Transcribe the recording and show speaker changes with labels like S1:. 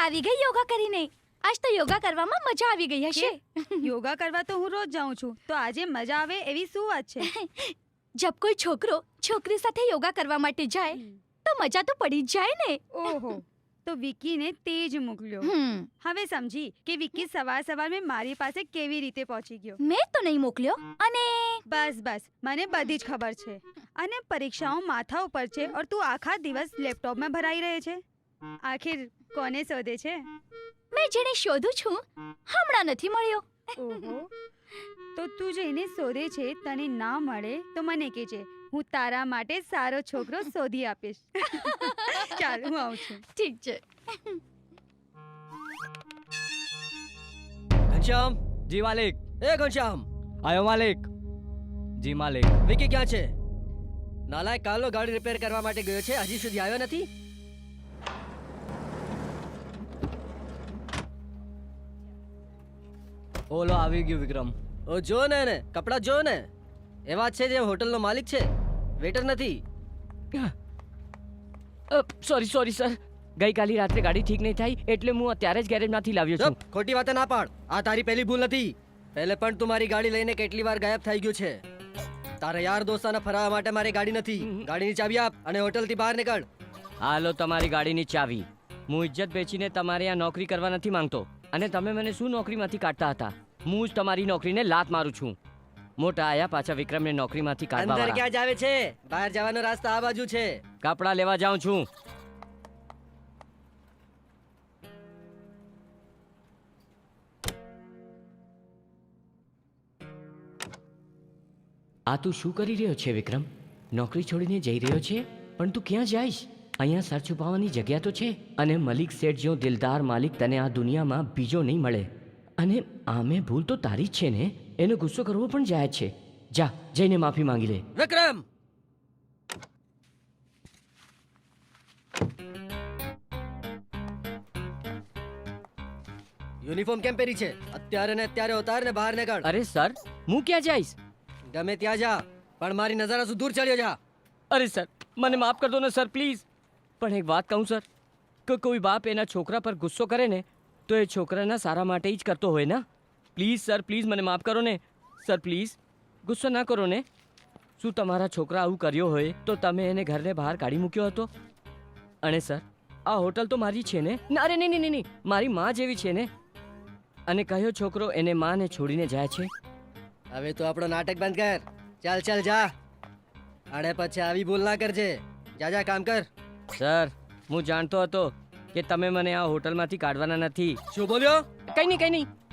S1: આવી ગઈ યોગા કરીને. આજ તો યોગા કરવામાં મજા આવી ગઈ હશે.
S2: યોગા કરવા તો હું રોજ જાઉં છું, તો આજે મજા આવે એવી શું વાત છે?
S1: જબ કોઈ છોકરો છોકરી સાથે યોગા કરવા માટે જાય તો મજા તો પડી જ જાય ને.
S2: ઓહો, તો વિકીને તે જ મોકલ્યો. હવે સમજી કે વિકી સવાર સવારમાં મારી પાસે કેવી રીતે પહોંચી ગયો.
S1: મેં તો નહીં મોકલ્યો. અને
S2: બસ બસ, મને બધી જ ખબર છે. અને પરીક્ષાઓ માથા ઉપર છે और તું આખા દિવસ લેપટોપમાં ભરાઈ રહે છે. આખિર કોને શોધે છે?
S1: મેં જેને શોધું છું હમણાં નથી મળ્યો.
S2: ઓહો, તો તું જેને શોધે છે તને ના મળે તો મને કહેજે, હું તારા માટે સારો છોકરો શોધી આપીશ. ચાલ હું આવું છું.
S1: ઠીક છે.
S3: ઘનશ્યામ
S4: જી માલિક.
S3: એ ઘનશ્યામ,
S4: આયો માલિક. જી માલિક.
S3: વિકી ક્યાં છે? નાલાયક કાલનો ગાડી રિપેર કરવા માટે ગયો છે, હજી સુધી આવ્યો નથી.
S4: ઓલો આવી ગયો વિક્રમ.
S3: ઓ જો ને એને કપડા જો ને, એવા જ છે જે હોટલનો માલિક છે, વેટર નથી.
S4: સોરી સર, ગઈકાલે રાત્રે ગાડી ઠીક નહીં થઈ એટલે હું અત્યારે જ ગેરેજમાંથી લાવ્યો છું.
S3: ચૂપ, ખોટી વાતે ના પાડ. આ તારી પહેલી ભૂલ નથી. પહેલે પણ તું મારી ગાડી લઈને કેટલી વાર ગાયબ થઈ ગયો છે. તારા યાર દોસ્તાને ફરાવવા માટે મારી ગાડી નથી. ગાડીની ચાવી આપ અને હોટલથી બહાર નીકળ.
S4: હાલો તમારી ગાડીની ચાવી. હું ઇજ્જત બેચીને તમારે આ નોકરી કરવા નથી માંગતો અને તમે મને શું નોકરીમાંથી કાઢતા હતા. હું જ તમારી નોકરીને લાત મારું છું. મોટા આયા પાછા વિક્રમને નોકરીમાંથી કાઢવા
S3: અંદર
S4: વાળા.
S3: ક્યાં જાવે છે? બહાર જવાનો રસ્તો આ બાજુ છે.
S4: કપડાં લેવા જાઉં છું. આ તું શું કરી રહ્યો છે વિક્રમ? નોકરી છોડીને જઈ રહ્યો છે, પણ તું ક્યાં જઈશ? અહીંયા સર છુપાવવાની જગ્યા તો છે અને મલિક શેઠ જેવો દિલદાર માલિક તને આ દુનિયામાં બીજો નહીં મળે. અને આમે ભૂલ તો તારી જ છે ને, એનો ગુસ્સો કરવો પણ જાય છે. જા જઈને માફી માંગી લે.
S3: વિક્રમ, યુનિફોર્મ કેમ પહેરી છે? અત્યારે ને અત્યારે ઉતાર ને બહાર નીકળ.
S4: અરે સર, હું ક્યાં જઈશ?
S3: ગમે ત્યાં જા, પણ મારી નજર દૂર ચડ્યો જા.
S4: અરે સર, મને માફ કર દો ને સર પ્લીઝ. પણ એક વાત કહું સર, કે કોઈ બાપ એના છોકરા પર ગુસ્સો કરે ને તો એ છોકરાના સારા માટે જ કરતો હોય ને. પ્લીઝ સર, પ્લીઝ મને માફ કરો ને સર, પ્લીઝ ગુસ્સો ના કરો ને. શું તમારા છોકરા આવું કર્યો હોય તો તમે એને ઘરને બહાર કાઢી મૂક્યો હતો? અને સર, આ હોટલ તો મારી છે ને? ના અરે નહીં નહીં નહીં, મારી માં જેવી છે ને. અને કયો છોકરો એને માને છોડીને જાય છે?
S3: હવે તો આપણો નાટક બંધ કર. ચાલ ચાલ જા, અને પછી આવી ભૂલ ના કરજે. જા જા, કામ કર.
S4: સર, હું જાણતો હતો કે તમે મને આ હોટલમાંથી કાઢવાના નથી.
S3: શું બોલ્યો?
S4: કંઈ નહીં કંઈ નહીં.